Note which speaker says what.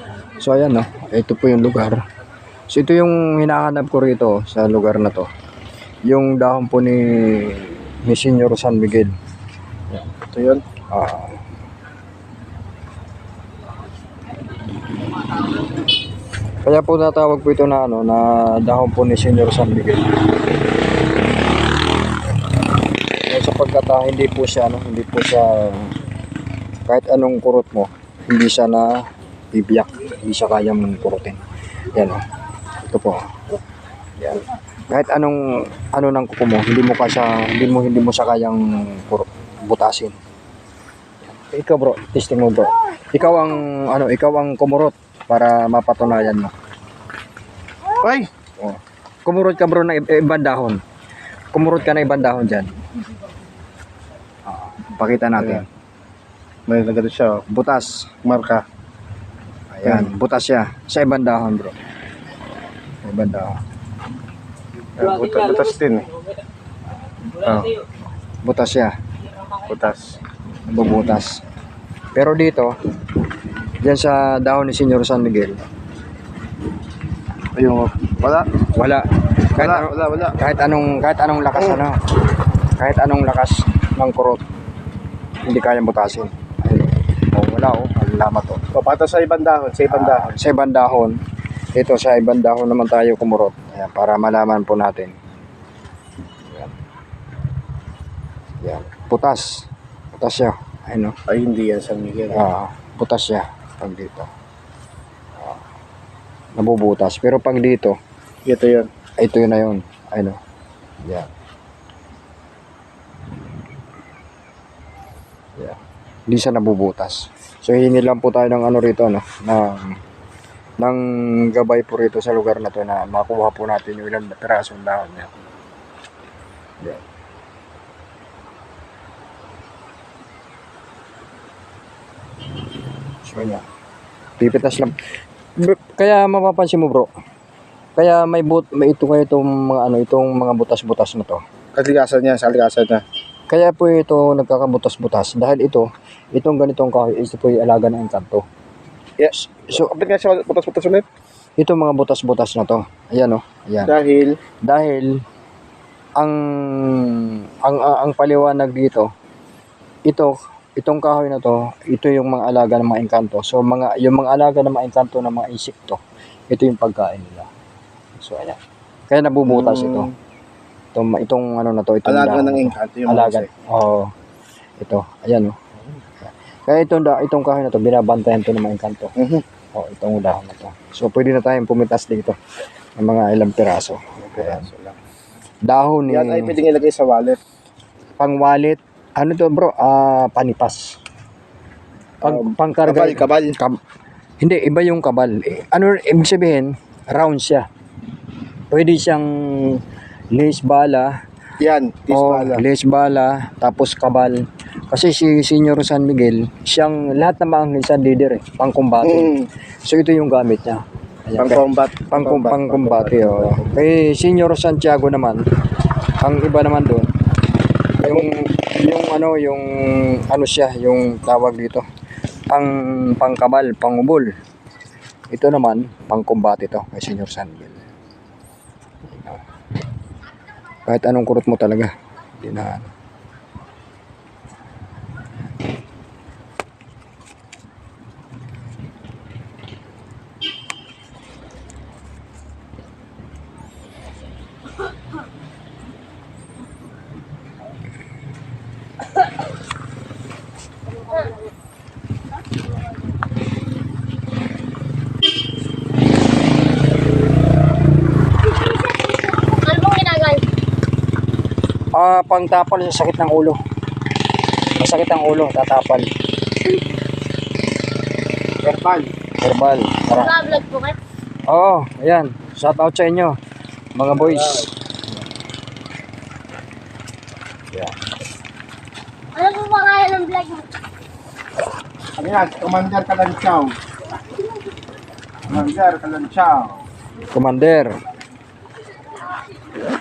Speaker 1: So ayan no, ito po yung lugar. So ito yung hinahanap ko rito sa lugar na to. Yung dahon po ni Senyor San Miguel.
Speaker 2: Ito yun.
Speaker 1: Kaya po natawag po ito na ano, na dahon po ni Senyor San Miguel. Sapagkat hindi po siya kahit anong kurot mo, hindi siya na bibiyak, hindi siya kayang kurutin. Yan oh. Ito po. Yan. Kahit anong ng kuko mo, hindi mo siya kayang butasin. Yan. Ikaw bro, testing mo bro. Ikaw ang kumurot para mapatunayan mo.
Speaker 2: Ay!
Speaker 1: Oh. Kumurot ka bro ng ibang dahon. Kumurot ka na ibang dahon diyan. Pakita natin.
Speaker 2: Ayan. May nagano siya,
Speaker 1: Butas.
Speaker 2: marka.
Speaker 1: Ayan, butas siya. Sa ibang dahon, bro. Sa ibang dahon.
Speaker 2: Butas din eh. Oh,
Speaker 1: Butas siya.
Speaker 2: butas.
Speaker 1: Nabubutas. Pero dito, diyan sa dahon ni Senyor San Miguel,
Speaker 2: Ayun, wala.
Speaker 1: wala.
Speaker 2: Wala.
Speaker 1: Kahit anong lakas kahit anong lakas ng kurot, hindi kayang butasin. Ayun. Oh, wala oh. Alamat oh.
Speaker 2: Papata sa ibang dahon, sa ibang dahon.
Speaker 1: Sa ibang dahon, ito sa ibang dahon naman tayo kumurot. Ayan, para malaman po natin. Ayan. Ayan. Butas siya. Ayun, no?
Speaker 2: Ay, hindi yan San Miguel.
Speaker 1: Butas siya pag dito. Nabubutas. Pero pag dito,
Speaker 2: Ito yun.
Speaker 1: ito yun na yun. Ayun, no? Ayan. Ayan. Hindi siya nabubutas. So hihingi lang po tayo ng ano rito, no? ng gabay po rito sa lugar na to na makuha po natin yung ilang pirasong dahon niya. Ayan. So yan. Pipitas lang. Kaya mapapansin mo bro. Kaya may itong mga butas-butas na to.
Speaker 2: Kalikasan niya, sa kalikasan niya.
Speaker 1: Kaya po ito nagkakabutas-butas dahil itong ganitong kahoy, ito po yung alaga ng engkanto.
Speaker 2: Yes. So, kapit nga siya butas-butas ulit.
Speaker 1: Ito mga butas-butas na to. Ayan oh. Ayan. Dahil ang paliwanag dito, itong kahoy na to, ito yung mga alaga ng mga engkanto. So yung mga alaga ng mga engkanto ng mga insekto, ito yung pagkain nila. So ayan. Kaya nabubutas ito. Itong ano na to, itong
Speaker 2: Alaga
Speaker 1: dahon
Speaker 2: ng
Speaker 1: na to.
Speaker 2: engkanto yung
Speaker 1: Alaga.
Speaker 2: mga
Speaker 1: Oo. Ito, ayan oh. Kaya itong kahoy na to, binabantayan to ng mga engkanto. Oh, itong dahon na to. So pwede na tayong pumitas dito ng mga ilang piraso. Ayan. Dahon ni
Speaker 2: yan ay pwedeng ilagay sa wallet.
Speaker 1: pang-wallet. Ano to bro? Panipas. Pangkarga.
Speaker 2: Kabal.
Speaker 1: Hindi, iba yung kabal. Ano, ibig sabihin, round siya. Pwede siyang lace bala.
Speaker 2: Yan, tisbala.
Speaker 1: Lace bala, tapos kabal. Kasi si Senyor San Miguel, siyang lahat ng mga minsan leader pang-kumbate. So ito yung gamit niya. Ayan, pang-kumbate. Kay Senyor Santiago naman, ang iba naman doon, yung siya, yung tawag dito, pangkabal, pangubol. Ito naman, pangkumbate to kay Senyor San Miguel. Kahit anong kurot mo talaga, hindi na pangtapal sa sakit ng ulo. Masakit ang ulo, tatapal. Herbal.
Speaker 3: Naka-vlog po kayo?
Speaker 1: Oo, ayan. Shout out sa inyo, mga boys. Yeah.
Speaker 3: Ano po pangalan ng vlog mo?
Speaker 2: Ano yan? Commander Kalanchaw.
Speaker 1: Commander.